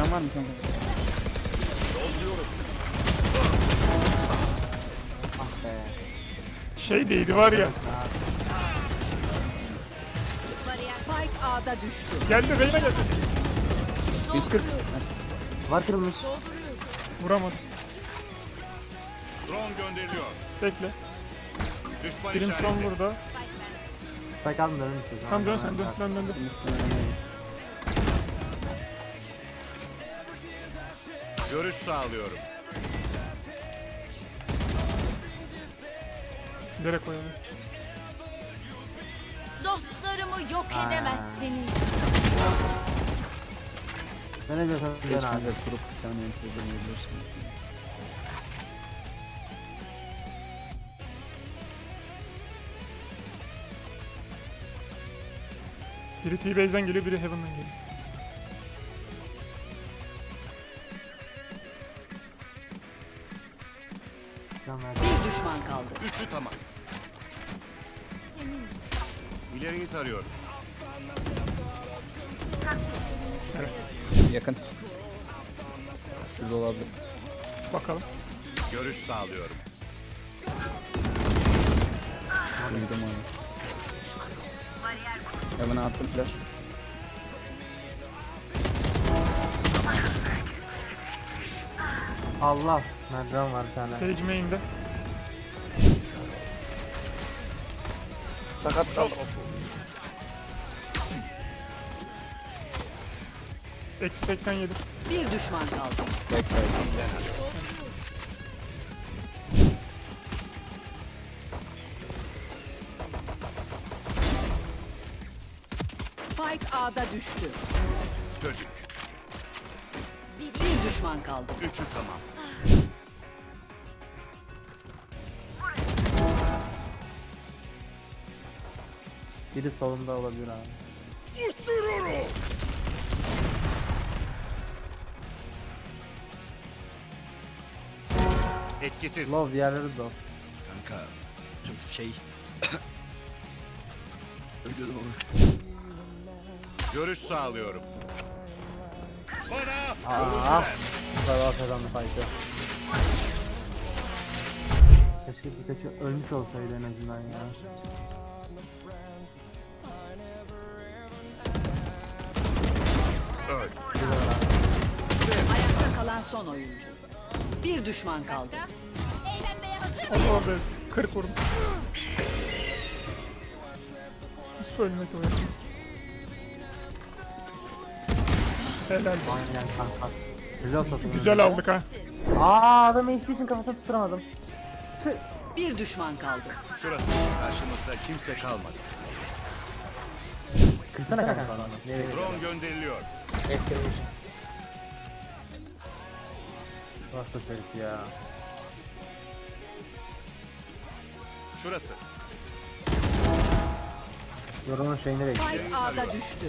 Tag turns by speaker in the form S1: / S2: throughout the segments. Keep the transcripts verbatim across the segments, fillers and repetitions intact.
S1: Can var mı kanka? Ah be.
S2: Şey değildi var ya.
S3: Spike A'da düştü.
S2: Geldi Reyna geldi.
S1: yüz kırk. Var kırılmış.
S2: Vuramadı.
S4: Drone gönderiliyor.
S2: Bekle.
S4: Düşman
S2: Birim son
S4: işareti.
S2: burada.
S1: Spike aldım dönün siz.
S2: Tamam dön sen dön dön dön. dön.
S4: Görüş sağlıyorum.
S2: Nereye koyalım?
S3: Dostlarımı yok edemezsiniz.
S1: Ben ne diyorsan
S5: Geç
S1: dön
S5: kanka
S1: abi.
S5: kurup bir tane entry deneyebilirsin.
S2: Biri T-Base'den geliyor, biri Heaven'dan geliyor.
S1: Can ver.
S3: Bir düşman kaldı.
S4: Üçü tamam.
S3: Senin için.
S4: İleriyi tarıyorum.
S5: Yakın. Siz olabilir.
S2: Bakalım.
S4: Görüş sağlıyorum.
S5: Duydum onu. Hemen attım flash.
S1: Allah. Merdiven var bir tane.
S2: Sage main'de.
S5: Sakat
S4: Çok oku.
S2: Eksi seksen yedi.
S3: Bir düşman kaldı.
S5: Backside.
S3: Spike A'da düştü.
S4: Çocuk.
S3: Bir düşman kaldı.
S4: Üçü tamam.
S1: Biri solunda olabilir abi.
S4: Etkisiz.
S1: Love diğerleri de o.
S4: Kanka. Şey. Görüş sağlıyorum. Bana.
S1: Aaa. Bu kadar kazandı fight'ı. Keşke birkaçı ölmüş olsaydı en azından ya.
S4: Öl.
S3: Ayakta kalan son oyuncu. Bir düşman kaldı.
S2: Onu orada kırk vurdum. Nasıl ölmedi o ya? Helal.
S1: Aynen kanka. Reload atın.
S2: Güzel aldık ha.
S1: Aaa adam H D için kafasını tutturamadım. Tüh.
S3: Bir düşman kaldı.
S4: Şurası. Karşımızda kimse kalmadı.
S1: Kırsana kanka. Nereye?
S4: Drone gönderiliyor.
S1: Nasıl herif ya.
S4: Şurası.
S1: Yorumun şeyini bekliyor.
S3: Spike A'da düştü.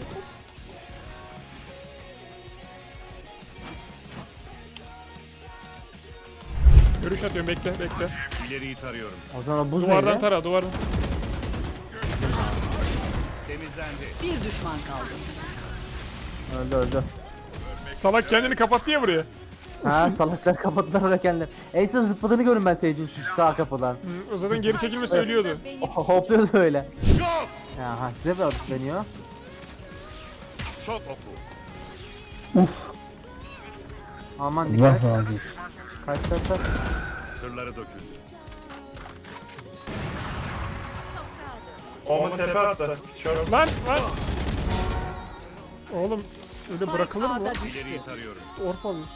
S2: Görüş atıyorum, bekle bekle.
S4: İleriyi tarıyorum.
S1: O zaman o buz
S2: Duvardan
S1: neydi?
S2: tara, duvardan.
S4: Temizlendi.
S3: Bir düşman kaldı.
S1: Öldü öldü.
S2: Salak kendini kapattı ya buraya.
S1: Ha salaklar kapattılar oraya kendileri. Ace'in zıpladığını görün ben Sage'in şu sağ kapıdan.
S2: Hı, o zaten geri çekilmesi ölüyordu.
S1: Oh, hopluyordu öyle.
S4: Yok.
S1: Ya ha size bir deniyor.
S4: Çok oku.
S1: Aman dikkat.
S5: Allah razı olsun.
S1: Kaç kaç kaç.
S4: Sırları döküldü.
S6: Oma tepe attı. Şöyle
S2: Lan lan. Oğlum öyle
S3: Spike
S2: bırakılır mı?
S3: A'da
S2: lan?
S3: düştü.
S4: İleriyi tarıyorum.
S2: Orpa alıyor.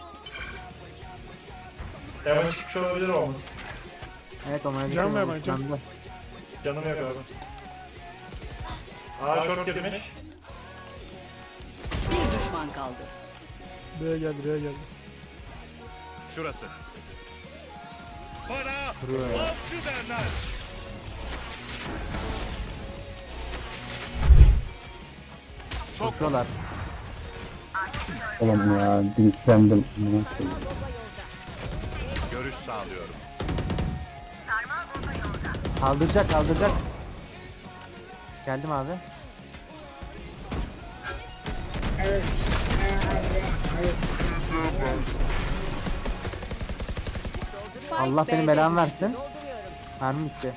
S6: hemen çıkmış olabilir Oma.
S1: Evet Oma'ya
S2: Can
S1: dikkat
S2: ver
S1: edin,
S2: bana, can.
S1: yandı.
S6: Canım yok abi. Aa short girmiş.
S3: Bir düşman kaldı.
S2: B'ye geldi, B'ye geldi.
S4: Şurası. Bana
S1: Vuruyor ya.
S4: avcı derler. Çok
S1: Koşuyorlar.
S5: Oğlum ya dinklendim. Amına koyayım.
S4: görüş sağlıyorum.
S1: Kaldıracak kaldıracak. Geldim abi.
S7: Evet. Ee, abi. Evet.
S1: Allah
S3: Spike
S1: benim
S3: B'de
S1: belamı
S3: düştü.
S1: versin. Mermi bitti.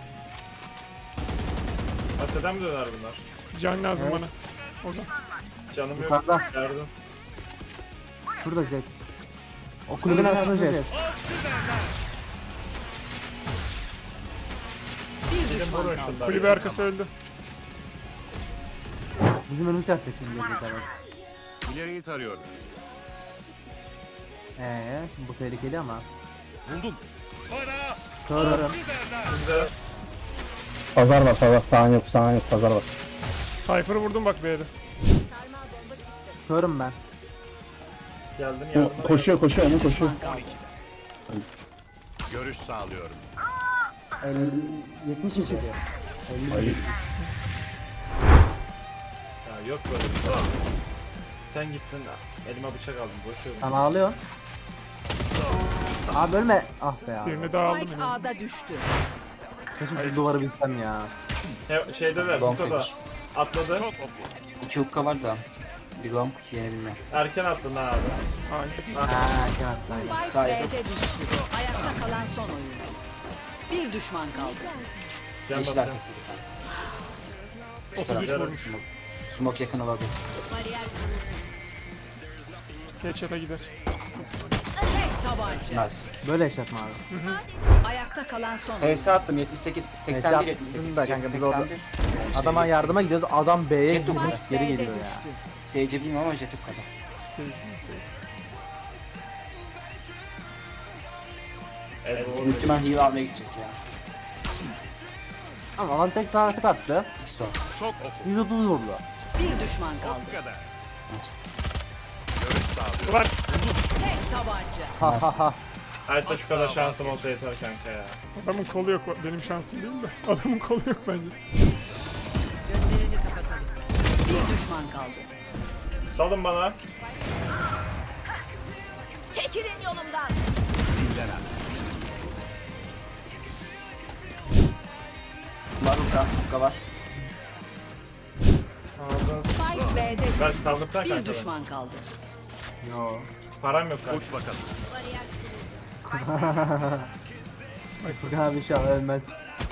S6: Aseden mi döner bunlar?
S2: Can lazım
S1: Evet.
S2: bana. Orada.
S6: Canım yok.
S1: Yukarıda.
S6: Yardım.
S1: Şurada Jet. O kulübün arkasında Jet.
S3: Bir
S6: Gidin
S3: düşman
S6: vurun
S3: kaldı.
S6: şunları.
S2: Kulübe arkası öldü.
S1: Bizim önümüz yapacak şimdi Jet evet.
S4: İleriyi tarıyorum.
S1: Eee bu tehlikeli ama.
S4: Buldum. Bana.
S1: Körüm.
S6: Bize
S5: Pazar var pazar. Sağın yok sağın yok pazar var.
S2: Cypher'ı vurdum bak B'de.
S1: Körüm ben.
S6: geldim
S5: Ko-
S6: yardıma.
S5: Koşuyor koşuyor onu koşuyor.
S3: Düşman kaldı.
S4: Görüş sağlıyorum.
S1: yetmiş içeri.
S5: Ay,
S6: Ya yok böyle bir şey. Sen gittin elime bıçak aldın boşuyorum.
S1: Sen ağlıyorsun. Abi ölme. Ah be ya.
S2: Birini daha aldım.
S3: Spike
S2: yine.
S3: A'da düştü.
S1: Keşke şu duvarı bilsem ya.
S6: He, şeyde de
S7: Long
S6: burada da
S7: finish.
S6: atladı.
S4: Çok oku.
S7: İki hukka var da. Bir long yeni bilmem.
S6: Erken attın ha abi.
S2: Hayır.
S1: Ha, kenar.
S3: Spike
S7: Sağ
S3: B'de
S7: yakın.
S3: düştü. Ayakta kalan son oyuncu. Bir düşman kaldı.
S6: Can
S7: Yeşil
S6: basacağım.
S7: arkası bir tane. Şu
S2: otuz üç
S7: tarafta
S2: vurmuş.
S7: smoke. Smoke yakın olabilir.
S2: Headshot'a gider.
S3: Tek tabanca.
S7: Nice.
S1: Böyle yaşatma abi.
S3: Ayakta kalan son oyuncu.
S7: H S attım yetmiş sekiz, seksen bir, yetmiş sekiz,
S1: da kanka, biz orada-
S7: seksen bir.
S1: Adama
S7: Şey,
S1: yardıma gidiyoruz. Adam B'ye
S7: Jet
S1: gidiyor.
S7: oldu.
S1: Geri
S3: B'de
S1: geliyor ya.
S3: düştü.
S7: S C bilmiyorum ama jet kadar.
S2: Şey,
S6: Evet, doğru.
S7: Muhtemelen heal almaya gidecek ya.
S1: Ama alan tek sağ tık attı.
S7: X-Store.
S4: Çok oku.
S1: yüz otuz vurdu.
S3: Bir düşman kaldı.
S4: Bu kadar.
S7: Nice.
S4: Görüş sağlıyorum.
S2: Ulan
S3: Tek tabanca.
S1: Ha ha ha.
S6: Hayatta şu kadar şansım olsa yeter kanka ya.
S2: adamın kolu yok. Benim şansım değil de. Adamın kolu yok bence.
S3: Gözlerini kapatalım. Bir düşman kaldı.
S6: Salın bana.
S3: Çekilin yolumdan.
S7: Var hukka, hukka var.
S6: Aldın.
S3: Spike B'de
S6: Ver
S3: düştü.
S6: kaldırsana
S3: Bir
S6: kanka. beni.
S3: düşman kaldı.
S1: Yo.
S6: Param yok kanka.
S4: Uç bakalım.
S1: Furkan abi inşallah ölmez.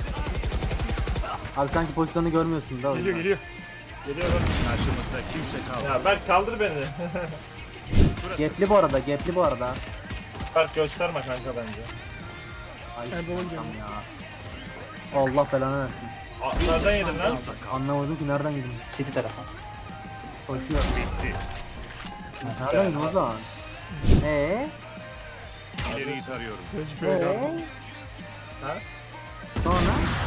S1: Abi sanki pozisyonu görmüyorsun da o
S2: Geliyor
S1: yüzden.
S2: geliyor.
S6: Geliyorum.
S4: Karşımızda kimse kalmadı.
S6: Ya Berk kaldır beni.
S4: Şurası.
S1: Gepli bu arada, gepli bu arada.
S6: Berk gösterme kanka bence.
S1: Ay
S2: Ben de
S1: tamam ya. Allah belanı versin.
S6: Aa, nereden yedin lan?
S1: Anlamadım ki nereden girdin.
S7: City tarafı.
S1: Koşuyor.
S4: Bitti.
S1: Nereden girdin o zaman? Eee?
S4: İleriyi tarıyorum.
S2: Sage B'de.
S1: Eee?
S6: Ha?
S1: Sonra?